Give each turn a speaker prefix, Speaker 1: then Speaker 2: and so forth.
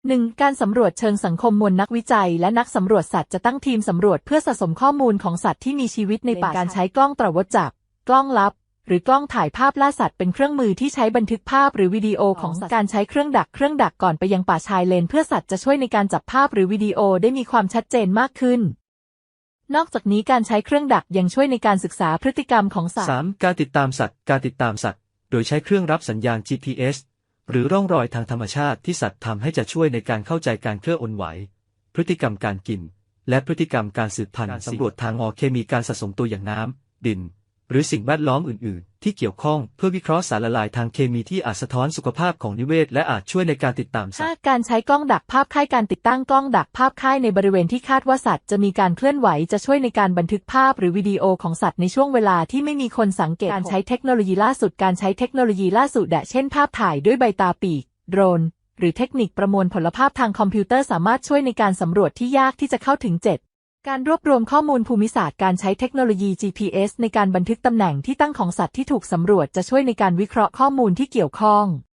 Speaker 1: 1. การสำรวจเชิงสังคมมวลนักวิจัยและนักสำรวจสัตว์จะตั้งทีมสำรวจเพื่อสะสมข้อมูลของสัตว์ที่มีชีวิตในป่าการใช้กล้องตรวจจับกล้องลับหรือกล้องถ่ายภาพล่าสัตว์เป็นเครื่องมือที่ใช้บันทึกภาพหรือวิดีโอของสัตว์การใช้เครื่องดักก่อนไปยังป่าชายเลนเพื่อสัตว์จะช่วยในการจับภาพหรือวิดีโอได้มีความชัดเจนมากขึ้นนอกจากนี้การใช้เครื่องดักยังช่วยในการศึกษาพฤติกรรมของสัตว์
Speaker 2: 3. การติดตามสัตว์โดยใช้เครื่องรับสัญญาณ GPS หรือร่องรอยทางธรรมชาติที่สัตว์ทำให้จะช่วยในการเข้าใจการเคลื่อนไหวพฤติกรรมการกินและพฤติกรรมการสืบพันธุ์สำรวจทางเคมีการสะสมตัวอย่างน้ำดินหรือสิ่งแวดล้อมอื่นๆที่เกี่ยวข้องเพื่อวิเคราะห์สารละลายทางเคมีที่อาจสะท้อนสุขภาพของนิเวศและอาจช่วยในการติดตามสัตว์
Speaker 1: 5. การใช้กล้องดักภาพค่ายการติดตั้งกล้องดักภาพค่ายในบริเวณที่คาดว่าสัตว์จะมีการเคลื่อนไหวจะช่วยในการบันทึกภาพหรือวิดีโอของสัตว์ในช่วงเวลาที่ไม่มีคนสังเกตการใช้เทคโนโลยีล่าสุดเช่นภาพถ่ายด้วยใบตาปีกโดรนหรือเทคนิคประมวลผลภาพทางคอมพิวเตอร์สามารถช่วยในการสำรวจที่ยากที่จะเข้าถึง 7. การรวบรวมข้อมูลภูมิศาสตร์การใช้เทคโนโลยี GPS ในการบันทึกตำแหน่งที่ตั้งของสัตว์ที่ถูกสำรวจจะช่วยในการวิเคราะห์ข้อมูลที่เกี่ยวข้อง